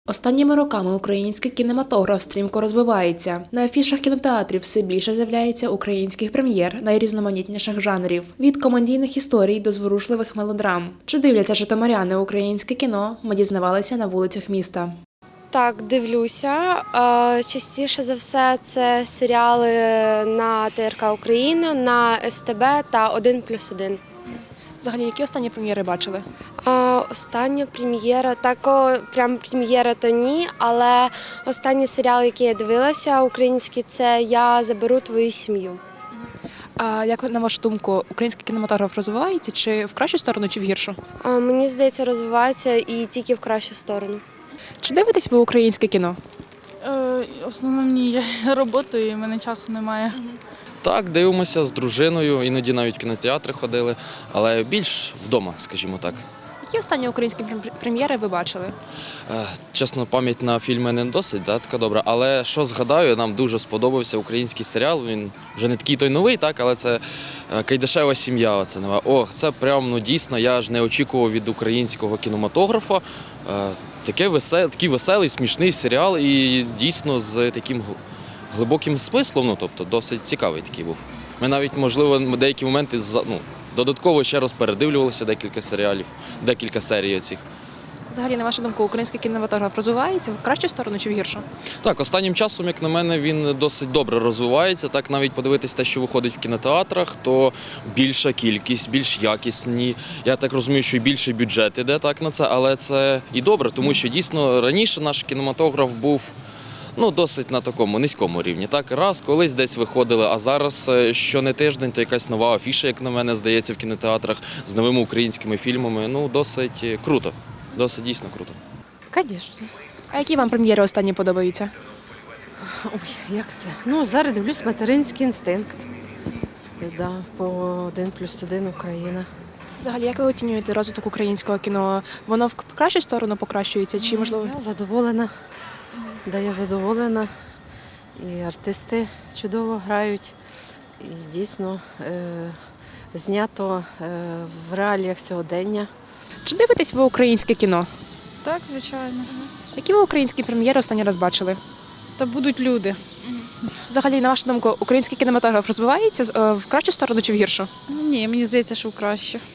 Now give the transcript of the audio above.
Останніми роками український кінематограф стрімко розвивається. На афішах кінотеатрів все більше з'являється українських прем'єр найрізноманітніших жанрів – від комедійних історій до зворушливих мелодрам. Чи дивляться житомиряни українське кіно? Ми дізнавалися на вулицях міста. Так, дивлюся. Частіше за все це серіали на ТРК Україна, на СТБ та «1+1». Взагалі, які останні прем'єри бачили? Остання прем'єра, прям прем'єра то ні, але останній серіал, який я дивилася, український, це «Я заберу твою сім'ю». А як на вашу думку, український кінематограф розвивається чи в кращу сторону, чи в гіршу? Мені здається, розвивається і тільки в кращу сторону. Чи дивитесь ви українське кіно? В основному ні, я роботаю, і в мене часу немає. Так, дивимося з дружиною, іноді навіть в кінотеатри ходили, але більш вдома, скажімо так. Які останні українські прем'єри ви бачили? Чесно, пам'ять на фільми не досить така добра, але що згадаю, нам дуже сподобався український серіал, він вже не такий той новий, але це «Кайдашева сім'я». Оце нове. Це прям, дійсно, я ж не очікував від українського кінематографа. Такий веселий, смішний серіал і дійсно з таким глибоким смислом, тобто досить цікавий такий був. Ми навіть, можливо, деякі моменти додатково ще раз передивлювалися декілька серіалів, декілька серій оцих. Взагалі, на вашу думку, український кінематограф розвивається в кращу сторону чи в гіршу? Так, останнім часом, як на мене, він досить добре розвивається. Так, навіть подивитись те, що виходить в кінотеатрах, то більша кількість, більш якісні. Я так розумію, що і більший бюджет іде на це, але це і добре, тому що дійсно раніше наш кінематограф був досить на такому низькому рівні. Раз, колись десь виходили, а зараз що не тиждень, то якась нова афіша, як на мене, здається, в кінотеатрах з новими українськими фільмами. Досить круто, досить дійсно круто. Звісно. А які вам прем'єри останні подобаються? Ой, як це? Зараз дивлюсь «Материнський інстинкт». По «1+1 Україна». Взагалі, як ви оцінюєте розвиток українського кіно? Воно в кращу сторону покращується чи, можливо? Я задоволена. Я задоволена. І артисти чудово грають. І дійсно знято в реаліях сьогодення. Чи дивитесь ви українське кіно? Так, звичайно. Які ви українські прем'єри останній раз бачили? Та будуть люди. Взагалі, на вашу думку, український кінематограф розвивається в кращу сторону чи в гіршу? Ні, мені здається, що краще.